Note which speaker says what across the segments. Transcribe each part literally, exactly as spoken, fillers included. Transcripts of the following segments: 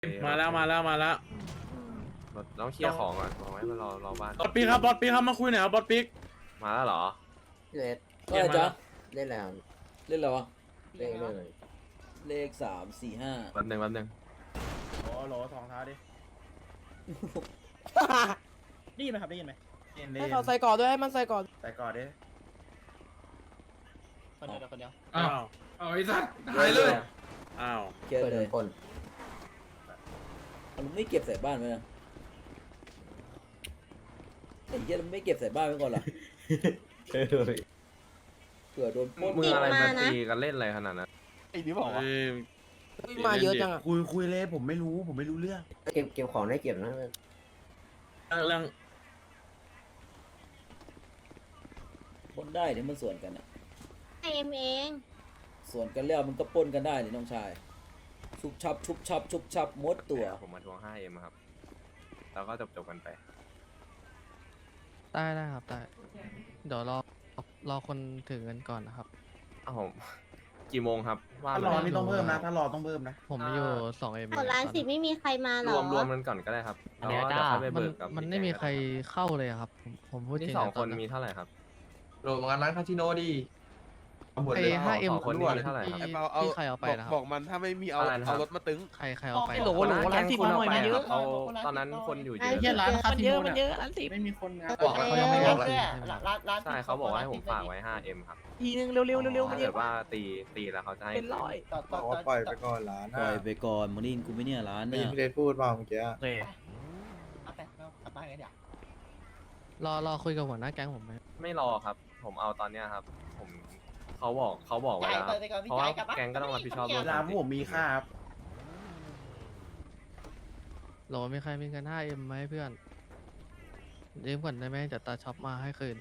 Speaker 1: มาแล้วมาแล้วมาแล้ว
Speaker 2: เราต้องเคลียร์ของก่อนบอกไว้มารอรอบ้าน
Speaker 1: บอสปีกครับบอสปีกครับมาคุยหน่อยครับบอสปีก
Speaker 2: มาแล้วเหรอ
Speaker 3: พี่เลส
Speaker 1: ก็อะไรจ๊ะ
Speaker 3: เล่นแล้ว
Speaker 4: เล่นอะไรวะ
Speaker 3: เล่นเล่นเลย
Speaker 4: เลขสามสี่ห้า
Speaker 2: แป๊บหนึงแป๊บหนึง
Speaker 1: โอ้โหสองเท้าดิ
Speaker 5: ได้ยินไหมครับได้ยินไหม
Speaker 6: ให้เขาใส่ก่อนด้วยให้มันใส่ก่อน
Speaker 1: ใส่ก่อนดิ
Speaker 5: คนเดียวคนเดียว
Speaker 1: อ้าว
Speaker 7: เอาไอ้สัตว์หายเลย
Speaker 1: อ้าว
Speaker 4: เก็บ
Speaker 3: เปิด
Speaker 4: เลย
Speaker 3: คน
Speaker 4: มันไม่เก็บใส่บ้านไว้นะไอ้เหี้ยมันไม่เก็บใส่บ้านไว้ก่อนเหรอเผื่อโดนปล้น
Speaker 2: มืออะไรมาตีกันเล่นอะไรขนาดนั้น
Speaker 1: เอ้ย
Speaker 6: มาเยอะจังอ่ะ
Speaker 8: คุยคุยเลยผมไม่รู้ผมไม่รู้เรื่อง
Speaker 3: เก็บเก็บของได้เก็บนะ
Speaker 1: เรื่อง
Speaker 4: ปล้นได้เนี่ยมันสวนกันอะ
Speaker 9: เอ็มเอง
Speaker 4: สวนกันแล้วมันก็ปล้นกันได้นี่น้องชายชุบชับชุบชับชุบชับมดตัว
Speaker 2: ผมมาทวง ไฟว์ เอ็ม ครับ แล้วก็จบจบกันไป
Speaker 10: ได้ได้ครับได้เดี๋ยวรอรอคนถือเงินก่อนนะครับ
Speaker 2: อ้าวผมกี่โมงครับว่า
Speaker 8: ถ้าร
Speaker 2: มา
Speaker 8: อนี่ต้องเพิ่มนะ ถ้ารอต้องเพิ่มนะ
Speaker 10: ผมมีอยู่สองเอ็ม
Speaker 9: เอาร้านสิไม่มีใครมาหร
Speaker 2: ร
Speaker 9: อ
Speaker 2: วมรวมกันก่อนก็ได้ครับแล้วก็เดี๋ยวค่อยไป
Speaker 10: มัน
Speaker 2: เบิกกับ
Speaker 10: มันไม่มีใครเข้าเลยอะครับ ผมผมพูดจริ
Speaker 2: ที่
Speaker 10: ง
Speaker 2: สอง
Speaker 10: ะ
Speaker 2: คน
Speaker 10: ต
Speaker 2: มีเท่าไหร่ครับ
Speaker 7: โหลดงานร้านคาสิโนดีเอาหมด
Speaker 10: ไอ้
Speaker 7: เลย
Speaker 10: ห้าเอ็ม
Speaker 2: สองคนนี้มีเท่าไหร่ครับ
Speaker 10: ที่ที่ใครเอาไปนะครับ
Speaker 8: บอกมันถ้าไม่มีเอา
Speaker 2: อะไรนะครับ
Speaker 8: เอารถมาตึง
Speaker 10: ใครใครเอาไป
Speaker 5: โหลโหลร้านสิบมาหน่อยมันเยอะ
Speaker 2: เขาตอนนั้นคนอยู่เย
Speaker 9: ร้าน
Speaker 2: อะ
Speaker 9: สิบ
Speaker 5: ร้านคา
Speaker 9: มัน
Speaker 5: สิ
Speaker 9: เย
Speaker 5: โน
Speaker 9: อะมัน
Speaker 5: เนี่
Speaker 9: เย
Speaker 5: ย
Speaker 9: อะร้านสิบ
Speaker 5: ไม่มีคนนะ
Speaker 10: บอกเขายังไม่บอกเลย
Speaker 5: ร้านร้าน
Speaker 2: ใช่เขาบอกว่าให้ผมฝากไว้ ไฟว์ เอ็ม ครับ
Speaker 5: ทีนึงเร็วเร็วเร็ว
Speaker 2: ถ้าเกิดว่าตีตีแล้วเขาจะให้
Speaker 5: เป็นร้อย
Speaker 8: บอกว่าปล่อยไปก่อนร้าน
Speaker 4: ปล่อยไปก่อนมึงได้ยินกูไหม่เนี่ยร้าน
Speaker 8: ไม่
Speaker 4: เนี่ย
Speaker 8: พี่เลสพูดมาเมื่อกี้
Speaker 5: โอเคเอาไปกลับบ้านกันเดี๋ยว
Speaker 10: รอรอคุยกับหัวหน้าแก๊งผมไหม
Speaker 2: ไม่รอครับ ผมเอาตอนเนี้ยครับ ผมเขาบอกเขาบอกไว้แล้วเพราะว่าแก๊งก็ต้องรับผิดชอบ
Speaker 8: เว
Speaker 2: ด้วย
Speaker 8: ลาพวกผมมีค่าครับ
Speaker 10: รอมีใครมีเงินห้าเอ็มไหมเพื่อนยืมก่อนได้ไหมเดี๋ยวตาช็อปมาให้คืน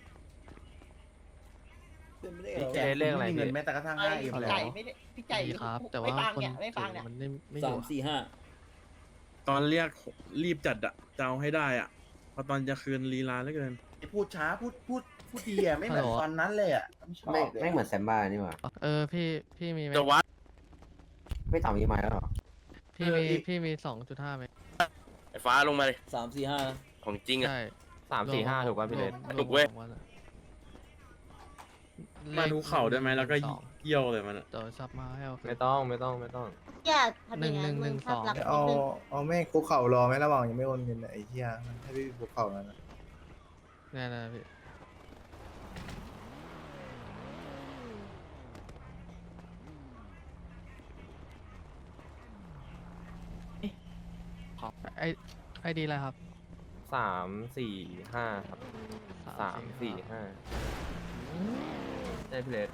Speaker 4: เป็นไม่ได้
Speaker 8: พี่
Speaker 4: เหรอ
Speaker 8: แจ็คไม่มีเงินแม้แต่กระทั่งห้าเอ็ม
Speaker 5: พี่
Speaker 8: เลย
Speaker 5: ไก่ไม่ได้พี่ไก่
Speaker 10: ดีครับ แต่
Speaker 5: ไม่
Speaker 10: ว่า
Speaker 5: ฟัง
Speaker 10: คน
Speaker 5: เนี่ยไม่ฟัง
Speaker 10: ถื
Speaker 5: เนี่ย
Speaker 10: อมันไม่ไม่อ
Speaker 4: สา
Speaker 10: ยู่
Speaker 4: มสี่ห้า
Speaker 1: ตอนเรียกรีบจัดอะจะเอาให้ได้อะเพราะตอนจะคืนลีลาเหลือเกิน
Speaker 8: พูดช้าพูดพูดพูดดีอ่ะไม่เหมือนตอนนั้นเลยอ่ะไม่ชอบ
Speaker 3: ไม่
Speaker 8: เลย
Speaker 3: ไม่เหมือนแซมบ้านี่หว่า
Speaker 10: เออพี่พี่มีไหม
Speaker 1: จะวัด
Speaker 3: ไม่ต่ำยี่ไม้แล้วหรอ
Speaker 10: พี่มีพี่มีสองจุดห้าไหม
Speaker 1: ไอ้ฟ้าลงมาเลย
Speaker 4: สามสี่ห้านะ
Speaker 1: ของจริงอะ
Speaker 10: ใช่
Speaker 2: สามสี่ห้าถูกป่ะพี่เลน
Speaker 10: รวม
Speaker 1: ถูกเว้ย
Speaker 10: รวมสองนอะ
Speaker 1: มาดูเข่าได้ไหมแล้วก็
Speaker 10: สอง
Speaker 1: เยี่ยวเลยมันอะ
Speaker 10: เดี๋ยวซับมาให้เอาคืน
Speaker 2: ไม่ต้องไม่ต้องไม่ต้อง
Speaker 9: อย่าทำอย่างนั้น
Speaker 10: หนึ่
Speaker 9: มึ
Speaker 10: ง
Speaker 9: ง
Speaker 10: หนึ่ง
Speaker 9: ภาพลักษณ์
Speaker 10: สอง
Speaker 9: นิดนึง
Speaker 8: เอาแม่คุกเข่ารอไหมระหว่างยังไม่โอนเงินไอ้เหี้ยให้พี่คุกเข่าแล้วนะ
Speaker 10: แน่ๆพี่ไอไอดีอะไรครับ
Speaker 2: สามสี่ห้าครับสามสี่ห้าใช่พี่เลน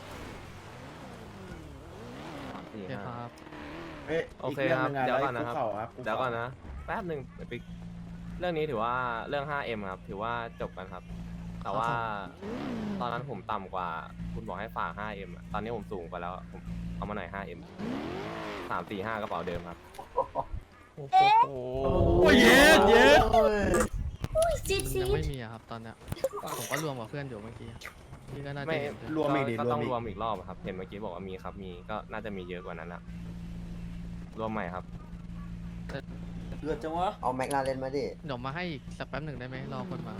Speaker 2: สาม
Speaker 10: โอ
Speaker 2: สี่
Speaker 10: เค
Speaker 2: ห้า
Speaker 10: ครับ
Speaker 8: เอ้ย
Speaker 2: โอเค
Speaker 8: ก
Speaker 2: ครับ
Speaker 8: งะ
Speaker 2: เดี๋ยว
Speaker 8: ไ
Speaker 2: ก่อนนะครับ
Speaker 8: คุกเข่าครับ
Speaker 2: เดี๋ยวก่อนนะ แป๊บหนึ่งเดี๋ยวไปเรื่องนี้ถือว่าเรื่อง ไฟว์ เอ็ม ครับ ถือว่าจบกันครับ แต่ว่าตอนนั้นผมต่ำกว่า คุณบอกให้ฝาก ไฟว์ เอ็ม อะตอนนี้ผมสูงกว่าแล้ว ผมเอามาหน่อย ไฟว์ เอ็ม สามสี่ห้ากระเป๋าเดิมครับ
Speaker 10: โอ้โห
Speaker 1: โอ้ยเย็ดเย็ด
Speaker 9: จิ๊ด
Speaker 10: ยั
Speaker 9: จิ๊
Speaker 10: ง
Speaker 9: ด
Speaker 10: ไม่มีอะครับตอนเนี้ยผมก็รวมกับเพื่อนอยู่เมื่อกี้พี่ก็น่าจะ
Speaker 2: ไม่
Speaker 10: เห็นใช่ไหม
Speaker 8: รวมอีกดิ
Speaker 2: ก็
Speaker 8: รว
Speaker 2: ต้
Speaker 8: ม
Speaker 2: อง
Speaker 8: อีก
Speaker 2: รวมอีกรอบอะครับ เห็นเมื่อกี้บอกว่ามีครับ มี ก็น่าจะมีเยอะกว่านั้นนะรวมใหม่ครับ
Speaker 4: เลือดจังวะ
Speaker 3: เอาแม็กลาเล่นมาดิ
Speaker 10: เดี๋ยวมาให้อีกสักแป๊บหนึ่งได้ไหมรอคนมา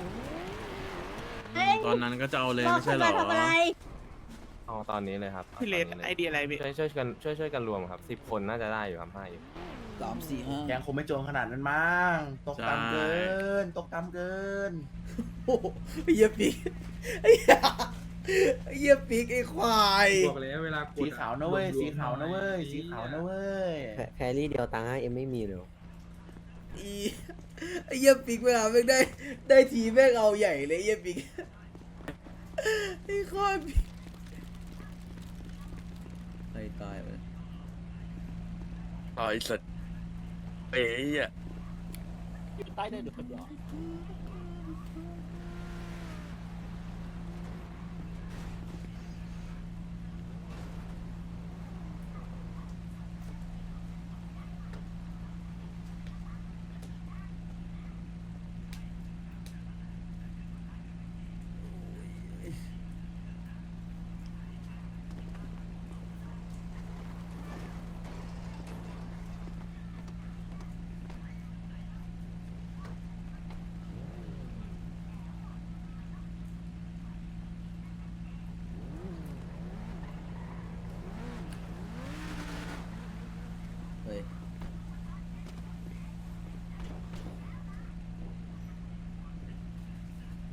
Speaker 1: ตอนนั้นก็จะเอาเลย
Speaker 9: บอก
Speaker 1: ไม่
Speaker 9: คุ
Speaker 1: ใช่
Speaker 9: ณ
Speaker 1: เหร
Speaker 9: มา
Speaker 1: อ
Speaker 9: ทำอะไร
Speaker 2: เอาตอนนี้เลยครับ
Speaker 5: พี่เลน
Speaker 2: อาตน
Speaker 5: ไอ
Speaker 2: นี้
Speaker 5: เดียอะไรพี่
Speaker 2: ช่วยช่วยกันช่วยช่วยกันรวมครับสิบคนน่าจะได้อยู่ครับไฟว์
Speaker 4: สามสี่ห้า
Speaker 8: แกงคงไม่โจรขนาดนั้นมั้งตกต่ำเกิน ตกต่ำเกิน
Speaker 4: โอ้โหไอ้เหี้ยปีกไอ้เหี้ยไอ้เหี้ยปีกไอ้ควาย
Speaker 7: บอกเลยเวลา
Speaker 8: สีขาวนะเว้ยสีขาวนะเว้ยสีขาวนะเว้ย
Speaker 3: แพรรี่เดียวตังค์ห้าเอ็มไม่มีเลย
Speaker 4: อีไอ้เหี้ยปีกเวลาแม่งได้ได้ทีแม่งเอาใหญ่เลยไอ้เหี้ยปีกไอ้ควายปีกไอ้ตายไป
Speaker 1: ต่อยสัตว์เป๋ยอะ
Speaker 5: ใต้เดินอยู่คนเดียว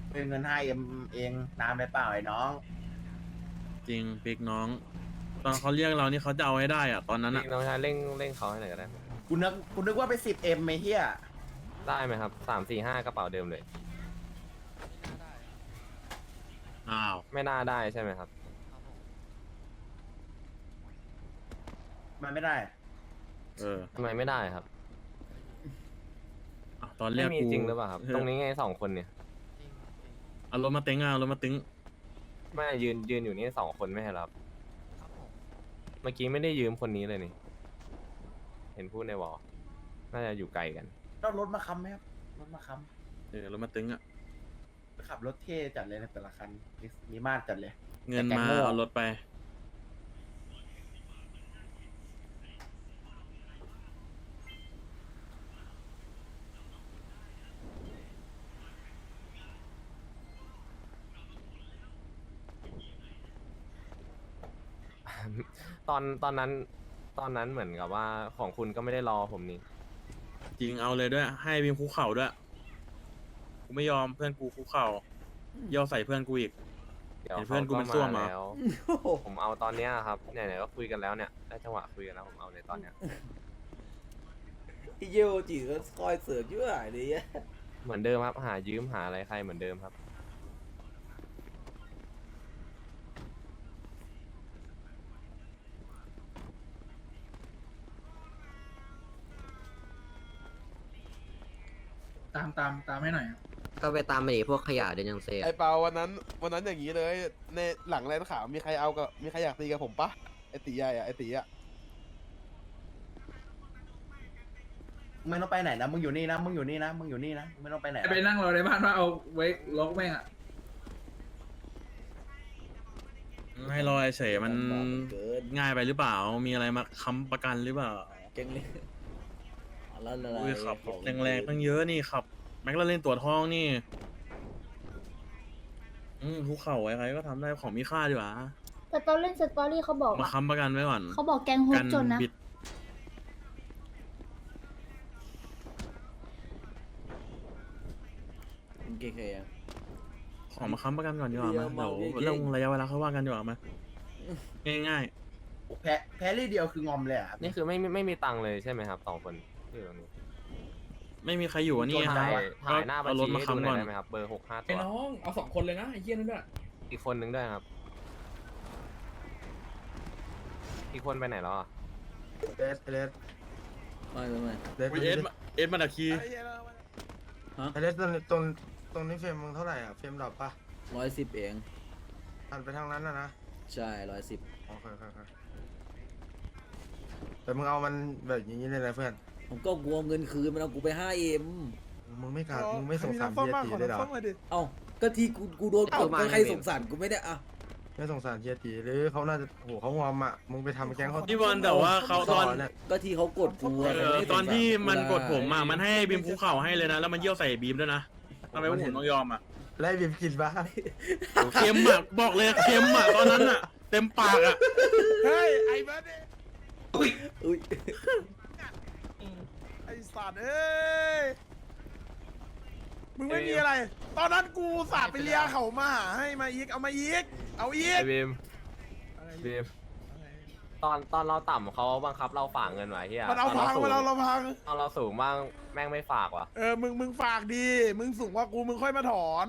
Speaker 8: เป็นเงิน ห้าเอ็ม เองนานไปเปล่าไอ้น้อง
Speaker 1: จริงปิกน้อง ตอนเขาเรียกเรานี่เขาจะเอาให้ได้อะตอนนั้นอะ
Speaker 2: น้องชายเร่งเร่งเขาให้หน่อยก็ได้ไหม
Speaker 8: กูนึกกูนึกว่าไป สิบเอ็ม ไอ้เหี้ย
Speaker 2: ได้ไหมครับสามสี่ห้ากระเป๋าเดิมเลย
Speaker 1: อ้าว
Speaker 2: ไม่น่าได้ใช่ไหมครับ
Speaker 8: มันไม่ได้
Speaker 1: เออ
Speaker 2: ทำไมไม่ได้ครับ
Speaker 1: อ่ะตอนเรี
Speaker 2: ไม่
Speaker 1: ยก
Speaker 2: มี
Speaker 1: กู
Speaker 2: จริงหรือเปล่าครับ ตรงนี้ไงสองคนเนี่ย
Speaker 1: เอารถมาเต็งอ่ะเอารถมาเต็ง
Speaker 2: ไม่ยืนยืนอยู่นี่สองคนไม่ใช่เหรอครับเมื่อกี้ไม่ได้ยืมคนนี้เลยนี่ เห็นพูดในวอลน่าจะอยู่ไกลกัน
Speaker 8: ต้องรถมาค้ำไหมครับ รถมาค้
Speaker 1: เออรถมาเต็งอ่ะ
Speaker 8: ำขับรถเท่จัดเลยในแต่ละคัน มีมีมาตรจัดเลย
Speaker 1: เงิน
Speaker 8: แต่แก
Speaker 1: มา
Speaker 8: โง่
Speaker 1: เอารถไป
Speaker 2: ตอนตอนนั้น ตอนนั้นเหมือนกับว่าของคุณก็ไม่ได้รอผมนี่
Speaker 1: จริงเอาเลยด้วย ให้บีมคุกเข่าด้วย กูไม่ยอมเพื่อนกูคุกเข่าย่อใส่เพื่อนกูอีก
Speaker 2: เดี๋ยว
Speaker 1: เห็นเพื่อนกู
Speaker 2: ขา
Speaker 1: มันซ่วมเหรอ
Speaker 2: แล้ว ผมเอาตอนเนี้ยครับไหนๆก็คุยกันแล้วเนี่ยได้จังหวะคุยกันแล้วผมเอาเลยตอนเนี้ย
Speaker 4: ไอ้เยี่ยวจีก็คอยเสือกเยอะเลยอะ
Speaker 2: เหมือนเดิมครับ หายืมหาอะไรใครเหมือนเดิมครับ
Speaker 8: ตามตามตามให้หน่อย
Speaker 3: ก็ไปตามมาดิพวกขยะเดนยังเซ
Speaker 6: ไอเปาวันนั้นวันนั้นอย่างนี้เลย ในหลังแลนขาวมีใครเอากับมีใครอยากตีกับผมปะไอตีใหญ่อะไอตีอะ
Speaker 8: ไม่ต้องไปไหนนะ มึงอยู่นี่นะ มึงอยู่นี่นะ มึงอยู่นี่นะ ไม่ต้องไปไหนนะ
Speaker 11: ไปนั่งรอในบ้านว่าเอาไว้ล็อกแม่งอ่ะ
Speaker 1: ให้รอเฉยๆมัน
Speaker 4: เกิน
Speaker 1: ง่ายไปหรือเปล่า มีอะไรมาค้ำประกันหรือเปล่า
Speaker 4: เก่งเลยเอาแล้วอะไร
Speaker 1: อุ้ยขับรถแรงๆตั้งเยอะนี่ขับ แม็กลาเล่นตัวทองนี่ อืมคุกเข่าไว้ใครก็ทำได้ของมีค่าดีกว่า
Speaker 9: แต่ตอนเล่นสตอรี่เขาบอก
Speaker 1: มา
Speaker 9: ว่า
Speaker 1: ค้ำประกันไว้ก่อน
Speaker 9: เขาบอกแกงโฮ
Speaker 1: กั
Speaker 9: สจนนะ
Speaker 1: บิด
Speaker 4: มึงเก่งเลยอะ
Speaker 1: ของมาค้ำประกันก่อนดีกว่า
Speaker 4: เดี๋
Speaker 1: มา
Speaker 4: ยว
Speaker 1: เดี๋ยว
Speaker 4: เมาเก่งๆ
Speaker 1: เรื่องระยะเวลาเขาว่ากันดีกว่ามาง่าย
Speaker 8: แพ้แพ้รี่เดียวคืองอมเลยอ่ะ
Speaker 2: นี่คือไม่ไม่ไม่มีตังค์เลยใช่ไหมครับสองคนที่อยู่ตรงนี้
Speaker 1: ๆ ไม่มีใครอยู่อ่ะนี่
Speaker 2: ถ่าย
Speaker 1: ครับ
Speaker 2: ถ่ายหน้าบัญ
Speaker 1: เอารถ
Speaker 2: ชี
Speaker 1: มา
Speaker 2: ให้ดูห
Speaker 1: ค้ำ
Speaker 2: น่
Speaker 1: ก่
Speaker 2: อ
Speaker 1: อย น
Speaker 2: ได้ไหมครับ เบอร์หกห้าตั
Speaker 11: ไอ้
Speaker 2: ว
Speaker 11: น้อง เอาสองคนเลยนะ ไอ้เหี้ยนั่นด้วย
Speaker 2: อีกคนนึงด้วยครับ อีกคนไปไหนแล้วอ่ะ
Speaker 7: เลสเลส
Speaker 4: ไม่ไม่ไม่
Speaker 7: เลส
Speaker 1: อุ๊ยเอสมาเอสมาดักคี
Speaker 7: เลสตรงตรงตรงนี้เฟรมมึงเท่าไหร่อ่ะเฟรมดรอปปะ
Speaker 4: ร้อยสิบเอง
Speaker 7: หันไปทางนั้นนะนะ
Speaker 4: ใช่ร้อยสิบ
Speaker 7: โอเคโอเคโอเคแต่มึงเอามันแบบอย่างนี้เลยนะเพื่อน
Speaker 4: ผมก็กลัวเงินคืนมันเอากูไปห้าเอ็ม
Speaker 7: มึงไม่ขาดมึงไม่สงสารเฮียตีเลยเหรอ
Speaker 4: เอ้าก็ที่กูกูโดนกดก็ใครสงสารกูไม่ได้อะ
Speaker 7: ไม่สงสารเฮียตีหรือเขาน่าจะโหเขางอมอ่ะมึงไปทำแก๊งเขา
Speaker 1: พี่บอลแต่ว่าเขาตอน
Speaker 7: เนี่ย
Speaker 4: ก็ที่เขากดกูอะ
Speaker 1: เออตอนที่มันกดผมอ่ะมันให้บีมคุกเข่าให้เลยนะแล้วมันเยี่ยวใส่บีมด้วยนะทำไมพวกผมต้องยอมอ่ะ
Speaker 7: ไล่บีมกินบ้า
Speaker 1: เค็มอ่ะบอกเลยเค็มอ่ะตอนนั้นอ่ะ เต็มปากอ่ะ
Speaker 6: เฮ้ยไอ้เบิร์ดดิ
Speaker 4: อุ้ย
Speaker 6: ไอ้สัตว์เอ้ยมึงไม่มีอะไร ตอนนั้นกูสาดไปเลียเขามาหาให้มาอีกเอามาอีกเอาอีก
Speaker 2: ไอ้บีมบีมตอนตอนเราต่ำเขาบังคับเราฝากเงินไว้เฮีย
Speaker 6: มันเอา
Speaker 2: ต
Speaker 6: พัง
Speaker 2: สูง
Speaker 6: มันเอาเราพัง
Speaker 2: ตอนเราสูงบ้างแม่งไม่ฝากว่ะ
Speaker 6: เออ มึง มึงฝากดี มึงสูงกว่ากู มึงค่อยมาถอน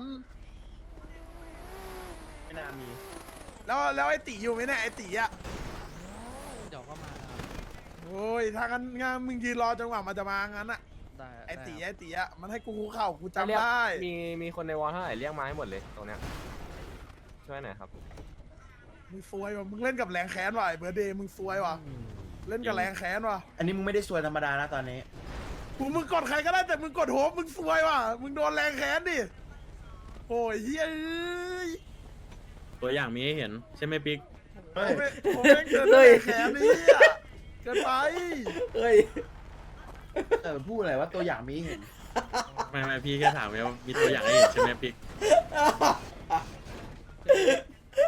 Speaker 8: ไม่น่ามี
Speaker 6: แล้ว แล้วไอ้ตีอยู่ไหมเนี่ยไอ้ตีอ่ะ
Speaker 10: เดี๋ยวก็มาครับ
Speaker 6: โอ้ย ถ้างั้นงั้นมึงยืนรอจนกว่ามันจะมางั้นอ่ะ
Speaker 10: ได้
Speaker 6: ไอ้ตี
Speaker 10: ด้ครับ
Speaker 6: ไอ้ตีอ่ะ มันให้กูคุกเข่ากู
Speaker 2: เรีย
Speaker 6: จำ
Speaker 2: ก
Speaker 6: ได้
Speaker 2: มีมีคนในวอลเท่าไหร่เรียกมาให้หมดเลยตรงเนี้ยช่วยหน่อยครับ
Speaker 6: มึงซวยว่ะ มึงเล่นกับแรงแค้นว่ะไอ้เบอร์เดย์มึงซวยว่ะ เล่นกับแรงแค้นว่ะ
Speaker 8: อันนี้มึงไม่ได้ซวยธรรมดานะตอนนี้
Speaker 6: มึงมึงกดใครก็ได้แต่มึงกดโฮปมึงซวยว่ะ มึงโดนแรงแค้นดิ โอ้ยเฮ้ยเอ้ย
Speaker 1: ตัวอย่างมีให้เห็นใช่ไหมปิ๊ก
Speaker 7: เฮ้ย
Speaker 6: โอ้ยโอ้ยเกินแรงแค้นนี่อ่ะเกินไป
Speaker 4: เฮ้ย
Speaker 8: เออพูดอะไรว่าตัวอย่างมีให้เห็น
Speaker 1: ไม่ไม่พี่แค่ถามไงว่ามีตัวอย่างให้เห็นใช่ไหมปิ๊ก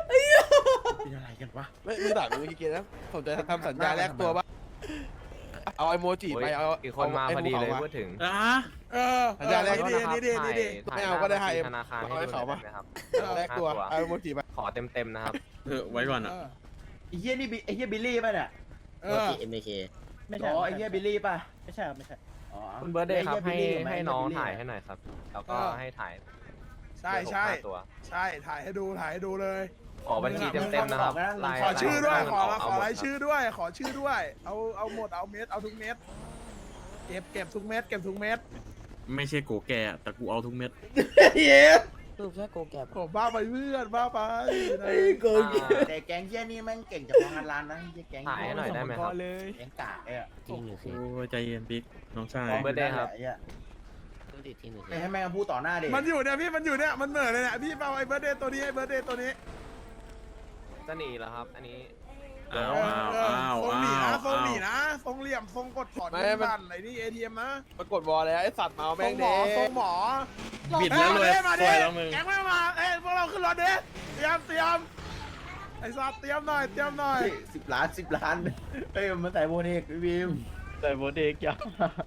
Speaker 8: เป็นอะไรกันวะ
Speaker 6: ไม่มึงด่ากูเมื่อกี้นะผมจะทำสัญญาแลกตัวป่ะเอาไอโมจิไปเอา
Speaker 2: อีกคนมาพอดีเลยพูดถึง
Speaker 1: อ่ะ
Speaker 6: เออสัญญาแรกดีดีดีดีดี
Speaker 2: ถ่าย
Speaker 6: ไม่เอาก็ได้ให้เอ็ม
Speaker 2: ธนาคารให้
Speaker 6: เอาให้
Speaker 2: ดู
Speaker 6: เขา
Speaker 2: ได้
Speaker 6: ปะ
Speaker 2: ไหมครับ
Speaker 6: แลกตัว
Speaker 2: ห้า
Speaker 6: เอาไอโมจิไป
Speaker 2: ขอเต็มๆนะครับ
Speaker 1: เออไว้ก่อนอ่ะ
Speaker 6: เออ
Speaker 8: ไอ้เฮียนี่บิไอ้เฮียบิลลี่ป่ะเนี่ย
Speaker 6: เอ
Speaker 3: โอ
Speaker 6: อ
Speaker 3: เคเอ็มเค
Speaker 8: ไม่ใช่อ๋อไอ้เฮียบิลลี่ป่ะไม่ใช่ครับไม่ใช่อ๋อ
Speaker 2: คุณเบิร์ดเดย์ครับ
Speaker 8: ไอ้
Speaker 2: ให้
Speaker 8: เย Billy
Speaker 2: ให้
Speaker 8: ไ
Speaker 2: น้อง
Speaker 8: Billy
Speaker 2: ถ่ายให้หน่อยครับ แล้วก็
Speaker 6: เออ
Speaker 2: ให้ถ่าย
Speaker 6: ใช่ใช่
Speaker 2: เดี๋ยวผมพาตัว
Speaker 6: ใช่ถ่ายให้ดูถ่ายให้ดูเลย
Speaker 2: ขอบัญชีเต็มๆนะครับลาย
Speaker 6: ขอชื่อด้วยขอ
Speaker 2: เา
Speaker 6: ขอ
Speaker 2: หม
Speaker 6: ราย
Speaker 2: คบ
Speaker 6: ชื่อด้วย ขอชื่อด้วย เอาเอาหมดเอาเม็ดเอาทุกเม็ดเก็บเก็บทุกเม็ดเก็บทุกเม็ด
Speaker 1: ไม่ใช่โกแก่แต่กูเอาทุกเม็ด
Speaker 6: เย้
Speaker 5: รูปแค่โกแกบ
Speaker 6: ผมบ้าไปเพื่อนบ้าไป
Speaker 8: ไอ้โกงแต่แก๊งเฮียนี่แม่งเก่งจากพนักงานร้านนะเฮียแก๊ง
Speaker 2: ถ่ายให้หน่อยได้ไหมครับ
Speaker 8: แก๊งกากไอ้อะ
Speaker 3: ที่หนึ่งเค
Speaker 1: โอ้ยใจเย็นปิ๊กน้องชาย
Speaker 2: เบิร์ดเดย์ครับ
Speaker 8: ไอ้เหี้ย
Speaker 3: ต้องติดที่หนึ่งเค
Speaker 8: ไปให้แม่งพูดต่อหน้าเด็ก
Speaker 6: มันอยู่เนี่ยพี่มันอยู่เนี่ยมันเหม่อเลยเนี่ยพี่เอาไอ้เบิร์ดเดย์ตัวนี้ไอ้เบิร์ดเดย์ตัวนี้
Speaker 2: จะหนีแล้วครับ อันนี้
Speaker 1: อ้าวอ้าว
Speaker 6: เออ
Speaker 1: อ้าว
Speaker 6: ทรงหนีนะ
Speaker 1: อ้าว
Speaker 6: ทรงหนีนะทรงเหลี่ยมทรงกดถอนเงินบันอะไรนี่เอทีเอ็มนะ
Speaker 7: ปรากฏวอลแล้วไอสัตว์เมา
Speaker 6: ทร
Speaker 7: แม่ง
Speaker 6: งหม
Speaker 7: เด้
Speaker 6: อทรงหมอ
Speaker 1: บิดแล้วรวย
Speaker 6: อ้มา
Speaker 1: ส
Speaker 6: ดิ
Speaker 1: วยแล้วมึง
Speaker 6: แก๊งไม่มาเอ้ยพวกเราขึ้นรถดิเตรียมเตรียมไอ้สัตว์เตรียมหน่อยเตรียมหน่อย
Speaker 8: สิบล้านสิบล้านเอ้ยมันใส่โบเทกพี่บีมใส่โบเทกจ้ะ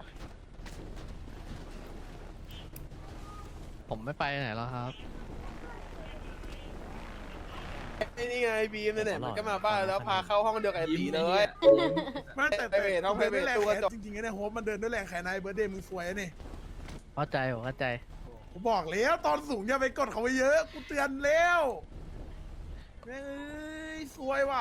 Speaker 10: ผมไม่ไปไหนแล้วครับ
Speaker 7: ไอ้นี่ไงบีมเนี่ยมันก็มาบ้านแล้วพาเข้าห้องเดียวกับไอ้ตีเลย
Speaker 6: ไม่แต่
Speaker 7: ไปเวทน้องไปเวท
Speaker 6: ดินด้วย
Speaker 7: ตู้
Speaker 6: แร
Speaker 7: กระ
Speaker 6: ง
Speaker 7: จก
Speaker 6: จริงๆไอ้เนี่ยโฮปมันเดินด้วยแรงแขนนายเบิร์ดเดย์มึงสวยนี่
Speaker 10: เข้าใจผมเข้าใจ
Speaker 6: ผมบอกแล้วตอนสูงอย่าไปกดเขาไว้เยอะกูเตือนแล้วแม่งเอ้ยสวยว่ะ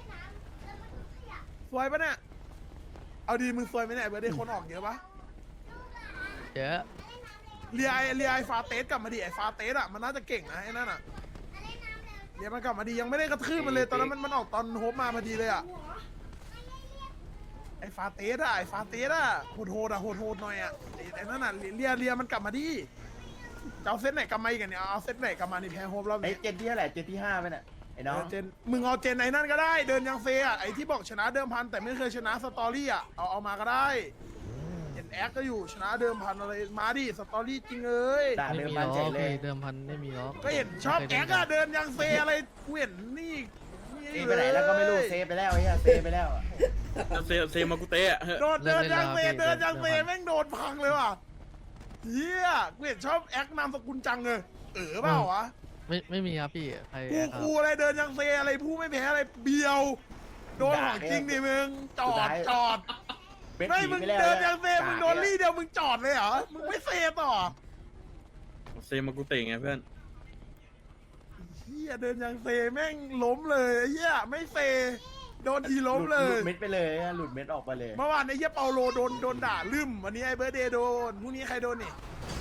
Speaker 6: สวยปะเนี่ยเอาดีมึงสวยไหมเนี่ยเบิร์ดเดย์คนออกเยอะปะ
Speaker 10: เยอะ
Speaker 6: เรียไอเรียไอฟาเตสกลับมาดิไอฟาเตสอ่ะมันน่าจะเก่งนะไอ้นั่นอ่ะเรียมันกลับมาดียังไม่ได้กระทืบมันเลยตอนนั้นมันมันออกตอนโฮปมาพอดีเลยอ่ะไอฟาเตสอ่ะไอฟาเตสอ่ะโหดโหดอ่ะโหดโหดหน่อยอ่ะไอ้ไอ้นั่นอ่ะเรียเรียมันกลับมาดิจะเอาเซตไหนกลับมาอีกอะเนี่ยเอาเซตไหนกลับมานี่แพ้โฮปรอบ
Speaker 8: ไอ้
Speaker 6: นี้
Speaker 8: เจนที่เท่าไหร่เจนที่ห้าไปเนี่ยไอ้น้อง
Speaker 6: เออเจนมึงเอาเจนไอ้นั่นก็ได้เดินยังเฟอ่ะไอที่บอกชนะเดิมพันแต่ไม่เคยชนะสตอรี่อ่ะเอาเอามาก็ได้เห็นแอคก็อยู่ชนะเดิมพันอะไรมาดิสตอรี่จริงเอ้ย
Speaker 8: ด่า
Speaker 10: ไม่
Speaker 8: เดิม
Speaker 10: มี
Speaker 8: พัน
Speaker 10: ล้
Speaker 8: เฉ
Speaker 10: อย
Speaker 8: เลย
Speaker 10: พี่เดิมพันไม่มีล้อ
Speaker 6: ก็เห็นชอบแก๊กอะเดินยังเซอะไรกูเห็นนี่
Speaker 8: เซฟไปไหนแล้วก็ไม่รู้เซฟไปแล้วไอ้เหี้ยเซฟไปแล้วอะ
Speaker 1: เซเซมากุเตะ
Speaker 6: โดนเดินยังเซเดินยังเซแม่งโดนพังเลยว่ะเฮียกูเห็นชอบแอคนามสกุลจังเลยเออเปล่าวะ
Speaker 10: ไม่ไม่มีครับพี่ใคร
Speaker 6: กู
Speaker 10: ครับ
Speaker 6: กูอะไรเดินยังเซอะไรผู้ไม่แพ้อะไรเบียวโดนของจริงดิมึงจอดจอด
Speaker 8: เป็น
Speaker 6: ไม่
Speaker 8: ผี
Speaker 6: มึง
Speaker 8: ไปแล้ว
Speaker 6: เดินยังเซ
Speaker 8: กาก
Speaker 6: มึงโดนลี่เดียวมึงจอดเลยเหรอมึงไม่เซต่อ
Speaker 1: เซมากุเตะไงเพื่อน
Speaker 6: เฮียเดินยังเซแม่งล้มเลยเฮียไม่เซโดนทีล้มเล
Speaker 8: ห
Speaker 6: ย
Speaker 8: ดเม็ดไปเลยอะหลุดเม็ดออกไปเลย
Speaker 6: เมื่อวานไอ้เหี้ยเปาโลโดนโดนด่าลืมวันนี้ไอ้เบิร์ดเดย์โดนพรุ่งนี้ใครโดนนี่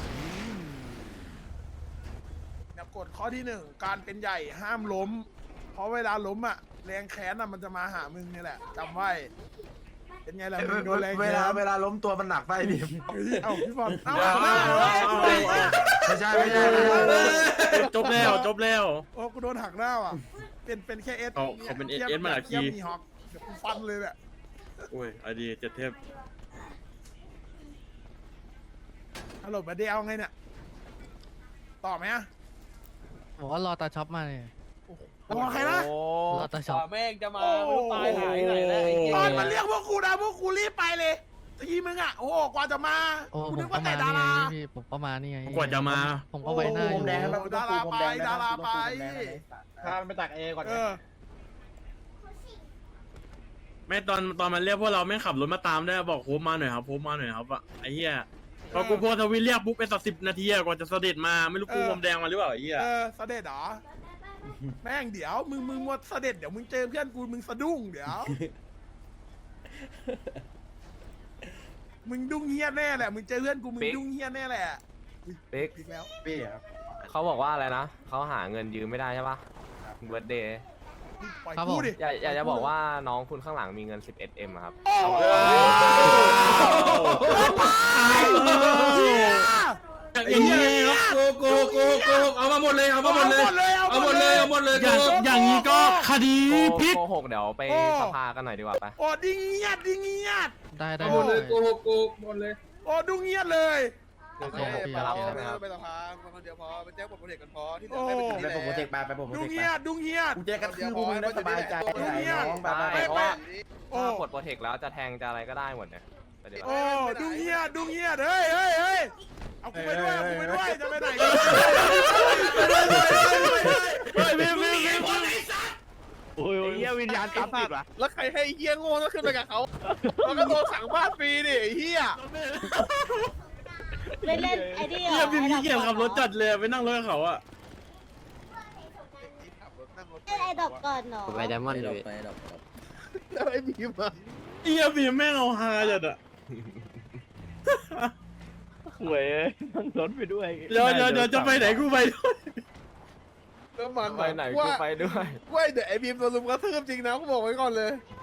Speaker 6: เนี่ยกฎข้อที่หนึ่งการเป็นใหญ่ห้ามล้ม เพราะเวลาล้มอ่ะแรงแค้นอ่ะมันจะมาหามึงนี่แหละจำไว้ เป็นไงล่ะมึงโดนแรง
Speaker 7: เว
Speaker 6: แค้
Speaker 7: ลาน เวลาล้มตัวมันหนักไปบีม
Speaker 6: เฮ้ยเอ้าพี่บอลเอ้า
Speaker 1: เอา
Speaker 6: เอา
Speaker 1: เอา
Speaker 6: เอา
Speaker 1: เอา
Speaker 6: เอา
Speaker 7: ไม่ใช่ไม่ใช่ไม่ใช่
Speaker 1: จบแล้วจบแล้ว
Speaker 6: โอ้กูโดนหักหน้าว่ะเป็นเป็นแค่เอส
Speaker 1: เขาเขาเป็น เอส มาหลายที
Speaker 6: เทียบมีฮอกเดี๋ยวกูฟันเลยแหละ
Speaker 1: โอ้ยไอดีเจ็ดเทพ
Speaker 6: ฮัลโหลเบิร์ดเดย์เอาไงเนี่ยต่อไหมอะ
Speaker 10: บอกว่ารอตาช็อปมาเนี่ย
Speaker 6: รอใครนะ
Speaker 10: รอตาช็อป
Speaker 7: แม่งจะมา
Speaker 6: โอ้
Speaker 7: ตายหายไหนแล้วไอ้เหี้ย
Speaker 6: ตอนมันเรียกพวกกูนะพวกกูรีบไปเลยทีมึงอ่ะโอ้โหกว่าจะมา
Speaker 10: โอ้
Speaker 6: กู
Speaker 10: ผ
Speaker 6: นึ
Speaker 10: ม
Speaker 6: ก
Speaker 10: ก็
Speaker 6: ว่าแต่
Speaker 10: มา
Speaker 6: ดา
Speaker 10: นี่ไง
Speaker 6: รา
Speaker 10: พี่ผมก็มานี่ไง
Speaker 1: กว่าจะมา
Speaker 10: ผมก็ไว้หน้าอยู่
Speaker 8: ผมแดงให้มัน
Speaker 6: ดาราไปดาราไป
Speaker 7: พามันไปตักเอก่อน
Speaker 6: เออ
Speaker 1: ไม่ตอนตอนมันเรียกพวกเราไม่ขับรถมาตามได้วยบอกโฮปมาหน่อยครับโฮปมาหน่อยครับอะไอ้เหี้ยพอกูโพสทวิตเรียกปุ๊บไปสักสิบนาทีอะกว่าจะเสด็จมาไม่รู้กูพรมแดงมาหรือเปล่าไอ้เหี้ย
Speaker 6: เออเสด็จเหรอแม่งเดี๋ยวมึงมึงว่าเสด็จเดี๋ยวมึงเจอเพื่อนกูมึงสะดุ้งเดี๋ยวมึงดุ้งเฮี้ยแน่แหละมึงเจอเพื่อนกูมึงดุ้งเฮี้ยแน่แหละ
Speaker 2: ปิ๊ก
Speaker 6: อีกแล้ว
Speaker 8: พี่ครับ
Speaker 2: เขาบอกว่าอะไรนะเขาหาเงินยืมไม่ได้ใช่ปะเบิร์ดเดย์
Speaker 6: ปล่อย
Speaker 10: ครับ
Speaker 6: กู
Speaker 10: ผม
Speaker 6: ดิ
Speaker 2: อยากอยากจะบอกว่าน้องคุณข้างหลังมีเงิน สิบเอ็ดเอ็มครับ
Speaker 6: โอ้โห
Speaker 1: อย่างนี้โกโกโกโกเอามาหมดเลยเอามาหมดเลย
Speaker 6: เอาหมดเลย
Speaker 1: เอาหมดเลยอย่างอย่างนี้ก็คดี
Speaker 2: โก
Speaker 1: พลิก
Speaker 2: โกหกเดี๋ยวไปสภากันหน่อยดีกว่าไป
Speaker 6: โอ้ดิงเงียดดิงเงียด
Speaker 10: ได้ได้
Speaker 6: เอาหมดเลย
Speaker 10: ได้
Speaker 11: โกหกโกหกหมดเลย
Speaker 6: โอ้ดุ้งเงียดเลย
Speaker 2: คือ
Speaker 10: โอ
Speaker 2: ส่ง
Speaker 10: เค
Speaker 2: ไปรับใช่ไหมครับ
Speaker 6: ไปสภาคนเดียวพอไปแจ้งผลโปรเจกต์กันพอที่เหลื
Speaker 8: โอ้
Speaker 6: อให้ไปถึง
Speaker 8: ไป
Speaker 6: นี่แห
Speaker 8: ผมโปรเจก
Speaker 6: ละ
Speaker 8: ต์ไปไปผมโปร
Speaker 6: ดุ
Speaker 8: เจ
Speaker 6: ง
Speaker 8: กต์
Speaker 6: เฮียดุงเฮีย
Speaker 8: กูจะกระทืบมึงได้สบายใจไอ้น้องไปไป
Speaker 2: ใช่เพราะว่า
Speaker 6: โอ้
Speaker 2: ถ้ากดโปรเทคแล้วจะแทงจะอะไรก็ได้หมดเนี่ยไปเดี๋ยว
Speaker 6: โอ้ดุงเฮียดุงเฮียเฮ้ยเฮ้ยเฮ้ยเอากูไปด้วยเอากูไปด้วยจะไปไหนกัน
Speaker 1: เฮ้ยพี่พี่พี่พี่
Speaker 5: โอ้ยเฮียวิญญาณตามติดว่ะ
Speaker 6: แล้วใครให้เฮียโง่ต้องขึ้นไปกับเขามันก็โดนสั่งบ้านฟรีดิไอ้เฮีย
Speaker 9: เล่นเล่นไอ้นี่เหรอ
Speaker 1: เฮียพี่พี่เกียจขับรถจัดเลยไปนั่งรถกับเขาอะ
Speaker 9: เล่นไอ้ดอกก่อนเนาะ
Speaker 3: ผมไปไดมอนด์เลย
Speaker 4: ไปดอก
Speaker 6: แล้วไอ้บีมอะ
Speaker 1: เฮียพี่แม่งเอาฮาจัดอะ
Speaker 5: หวยนั่งรถไปด้วย
Speaker 1: เดี๋ยวเดี๋ยวเดี๋ยวจะไปไหนกูไปด้วย
Speaker 6: แล้วมัน
Speaker 2: ไปไหน
Speaker 6: ว่า
Speaker 2: กูไปด้วย
Speaker 6: ว่าเดี๋ยวไอ้บีมโดนลุมกระทืบจริงนะกูบอกไว้ก่อนเลย